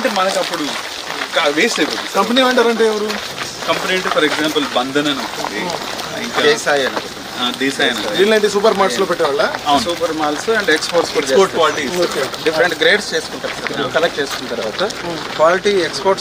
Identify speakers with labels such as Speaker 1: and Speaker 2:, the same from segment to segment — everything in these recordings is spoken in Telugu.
Speaker 1: అంటే మనకు అప్పుడు వేస్ట్ అయిపోతుంది.
Speaker 2: కంపెనీ వెండర్ అంటే ఎవరు?
Speaker 1: కంపెనీ అంటే ఫర్ ఎగ్జాంపుల్ బంధన్ అని ఉంటుంది, ఇంకా
Speaker 3: దేశాయ్ అని
Speaker 1: దేశాయ్ అని.
Speaker 2: వీళ్ళంటే సూపర్ మార్ట్స్ లో పెట్టేవాళ్ళ?
Speaker 3: సూపర్ మాల్స్ అండ్ ఎక్స్పోర్ట్స్ కూడా
Speaker 1: ఎక్స్పోర్ట్ క్వాలిటీ
Speaker 3: డిఫరెంట్ గ్రేడ్స్ చేసుకుంటారు. కలెక్ట్ చేసుకున్న తర్వాత క్వాలిటీ ఎక్స్పోర్ట్స్.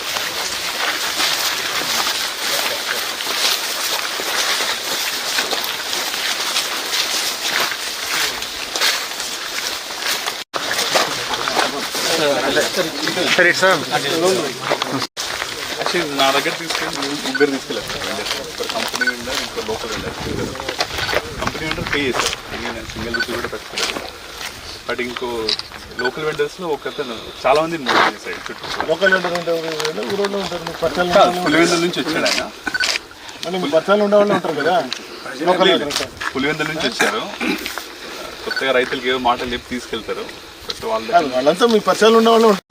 Speaker 2: సరే సార్,
Speaker 1: యాక్చువల్లీ నా దగ్గర తీసుకెళ్ళి ముగ్గురు తీసుకెళ్ళారు సార్. కంపెనీ వెండర్, ఇంకో local vendor. Company vendor pay చేశారు, నేను సింగిల్ రూపీ కూడా పెట్టుకోలేదు. బట్ ఇంకో లోకల్ వెండర్స్లో ఒకతను చాలా మంది మోసం చేశాడు చుట్టూ.
Speaker 2: లోకల్ వెండర్ అంటే ఊరోళ్ళు ఉంటారు,
Speaker 1: పులివెందుల నుంచి వచ్చాడు ఆయన.
Speaker 2: పర్చాలు ఉండేవాళ్ళు ఉంటారు కదా.
Speaker 1: పులివెందుల నుంచి వచ్చారు, కొత్తగా రైతులకి ఏవో మాటలు చెప్పి తీసుకెళ్తారు. బట్
Speaker 2: వాళ్ళంతా మీ పర్చాలు ఉండేవాళ్ళు ఉంటారు.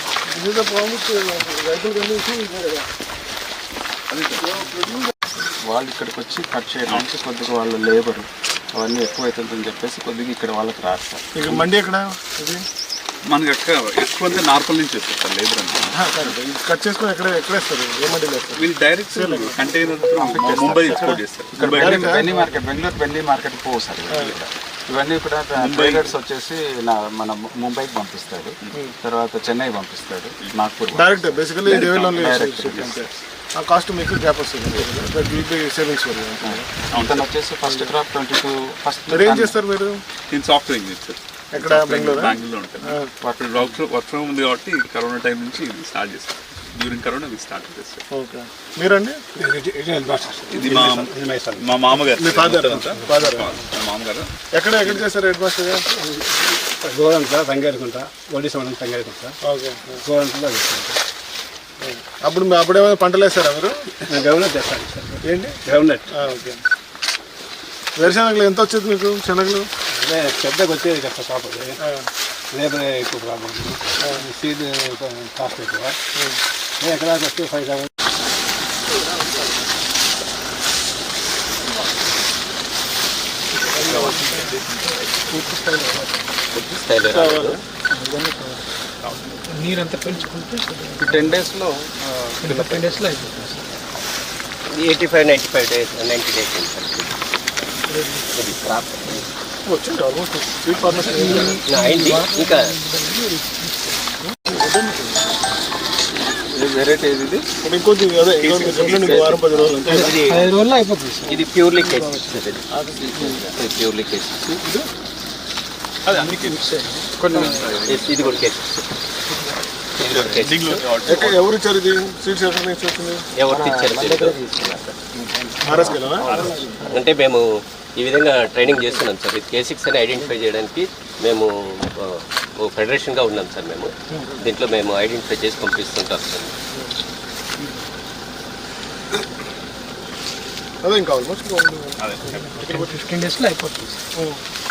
Speaker 3: వాళ్ళు ఇక్కడికి వచ్చి కట్ చేయడానికి కొద్దిగా వాళ్ళ లేబర్ అవన్నీ ఎక్కువ అవుతుందని చెప్పేసి కొద్దిగా ఇక్కడ వాళ్ళకి రాస్తారు.
Speaker 2: ఇక్కడ మండి ఎక్కడ? ఇది
Speaker 1: మనకి ఎక్కువ అంతా నార్పల్ నుంచి వచ్చారు సార్ లేబర్ అంటే.
Speaker 2: కట్ చేసుకొని ఎక్కడేస్తారు? ఏ మండీలో వేస్తారు?
Speaker 1: వీళ్ళు డైరెక్ట్ కంటైనర్ ముంబై ఎక్స్పోర్ట్ చేస్తారు.
Speaker 3: బెన్నీ మార్కెట్, బెంగళూరు బెన్నీ మార్కెట్ పోవు సార్. ఇవన్నీ కూడా ట్రేడర్స్ వచ్చేసి మన ముంబైకి పంపిస్తాడు, తర్వాత చెన్నై పంపిస్తాడు, నాగ్పూర్
Speaker 2: డైరెక్ట్. బేసికలీ కాస్ట్ మీకు గ్యాప్ వస్తుంది, సేవింగ్స్.
Speaker 3: అతను వచ్చేసి ఫస్ట్ క్రాప్ 22 ఫస్ట్.
Speaker 2: మీరు ఏం చేస్తారు? మీరు
Speaker 1: నేను సాఫ్ట్వేర్ ఇంజనీర్ సార్.
Speaker 2: ఎక్కడ? బెంగళూరులో
Speaker 1: ఉంటాను. వర్క్ ఫ్రమ్ ఉంది కాబట్టి కరోనా టైం నుంచి ఇది స్టార్ట్ చేస్తాను. డ్యూరింగ్ కరోనా ఇది స్టార్ట్ చేస్తాను.
Speaker 2: ఓకే. మీరండి?
Speaker 1: ఇది మా మామగారు.
Speaker 2: మీ ఫాదర్?
Speaker 1: మామగారు.
Speaker 2: ఎక్కడ చేస్తారు హెడ్ మాస్టర్?
Speaker 4: గోరంట్ల తంగేరుకుంటా, ఒడిశా మండలం తంగేరుకుంటా.
Speaker 2: ఓకే.
Speaker 4: గోరంట్లో
Speaker 2: అప్పుడేమైనా పంటలు వేస్తారా మీరు?
Speaker 4: గ్రౌండ్నట్ చేస్తాను సార్.
Speaker 2: ఏంటి?
Speaker 4: గ్రౌండ్నట్.
Speaker 2: ఓకే. వేరుశనగలు ఎంత వచ్చేది మీకు? శనగలు
Speaker 4: అదే పెద్దగా వచ్చేది కదా షాప్. అది లేబర్ ఎక్కువ ప్రాబ్లం, సీడ్ కాస్ట్ ఎక్కువ. ఎకరాకి వస్తే 5,000.
Speaker 5: నీరంతా పెంచుకుంటే
Speaker 3: 10 డేస్లో
Speaker 5: 10 డేస్లో అయిపోతుంది సార్.
Speaker 6: 85-95 days, 90 days ఇది క్రాప్
Speaker 2: వచ్చింది ఆల్మోస్ట్. స్వీట్ ఫార్మర్స్
Speaker 6: అయింది. ఇంకా
Speaker 3: వెరైటీ ఇది
Speaker 2: ఇంకొద్ది అదే వారం 10 రోజులు అంటే
Speaker 5: 5 రోజుల్లో అయిపోతుంది సార్.
Speaker 6: ఇది ప్యూర్లీ కేసెస్, ప్యూర్లీ కేసెస్.
Speaker 1: అది అన్ని
Speaker 6: కొన్ని ఇది కూడా కేసెస్.
Speaker 2: ఎవరు ఇచ్చారు ఇది? సీడ్స్ ఎక్కడ నుంచి వచ్చింది?
Speaker 6: ఎవరు ఇచ్చారు?
Speaker 2: మహారాష్ట్రలో
Speaker 6: అంటే మేము ఈ విధంగా ట్రైనింగ్ చేస్తున్నాం సార్. ఇది K6 అని ఐడెంటిఫై చేయడానికి మేము ఓ ఫెడరేషన్గా ఉన్నాం సార్. మేము దీంట్లో మేము ఐడెంటిఫై చేసి పంపిస్తుంటాం సార్.
Speaker 2: అదే ఇంకా ఆల్మోస్ట్
Speaker 5: 15 డేస్లో అయిపోతుంది సార్.